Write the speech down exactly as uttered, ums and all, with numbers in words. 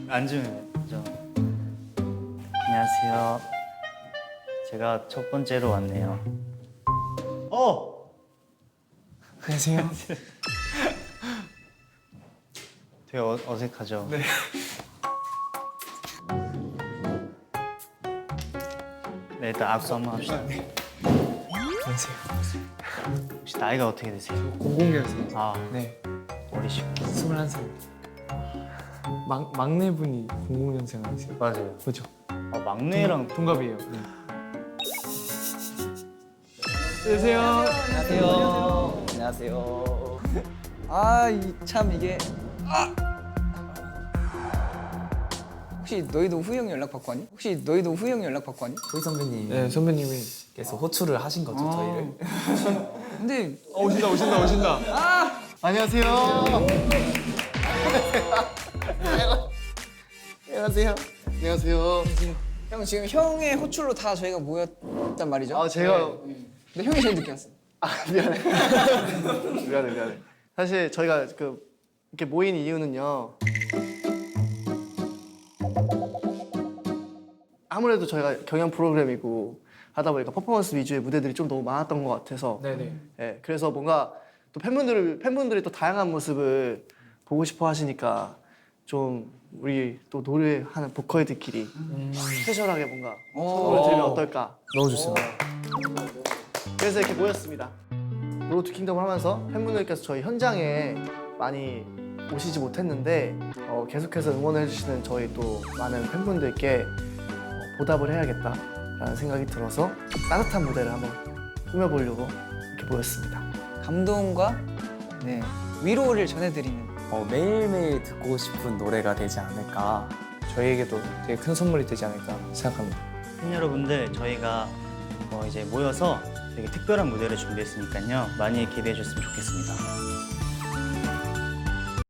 앉으면 되죠. 안녕하세요. 제가 첫 번째로 왔네요. 어! 안녕하세요. 되게 어, 어색하죠? 네. 네, 일단 악수 한번 합시다. 안녕하세요. 혹시 나이가 어떻게 되세요? 공공년생. 아, 네. 어리시고. 스물한 살. 막 막내분이 공공년생 아니세요? 맞아요. 그죠? 아, 막내랑 동갑이에요. 네. 안녕하세요. 안녕하세요. 안녕하세요. 아, 이 참 이게 아! 혹시 너희도 후영 연락 받고 왔니? 혹시 너희도 후영 연락 받고 왔니? 호이 선배님께서 네, 선배님이 호출을 하신 거죠, 아. 저희를. 근데 어, 오신다, 오신다, 오신다. 안녕하세요. 안녕하세요. 안녕하세요. 형 지금 형의 호출로 다 저희가 모였단 말이죠? 아, 제가 근데 형이 제일 늦게 왔어. 아, 미안해. 미안해, 미안해. 사실 저희가 그 이렇게 모인 이유는요. 아무래도 저희가 경연 프로그램이고 하다 보니까 퍼포먼스 위주의 무대들이 좀 너무 많았던 것 같아서 네네. 예, 그래서 뭔가 또 팬분들을 팬분들이 또 다양한 모습을 보고 싶어 하시니까 좀 우리 또 노래하는 보컬들끼리 스페셜하게 뭔가 선물을 드리면 어떨까? 너무 좋습니다. 그래서 이렇게 모였습니다. 로드 투 킹덤을 하면서 팬분들께서 저희 현장에 많이 오시지 못했는데 어, 계속해서 응원해 주시는 저희 또 많은 팬분들께 어, 보답을 해야겠다라는 생각이 들어서 따뜻한 무대를 한번 꾸며보려고 이렇게 모였습니다. 감동과 네, 위로를 전해드리는 어, 매일매일 듣고 싶은 노래가 되지 않을까. 저희에게도 되게 큰 선물이 되지 않을까 생각합니다. 팬 여러분들, 저희가 어, 이제 모여서 되게 특별한 무대를 준비했으니까요. 많이 기대해 주셨으면 좋겠습니다.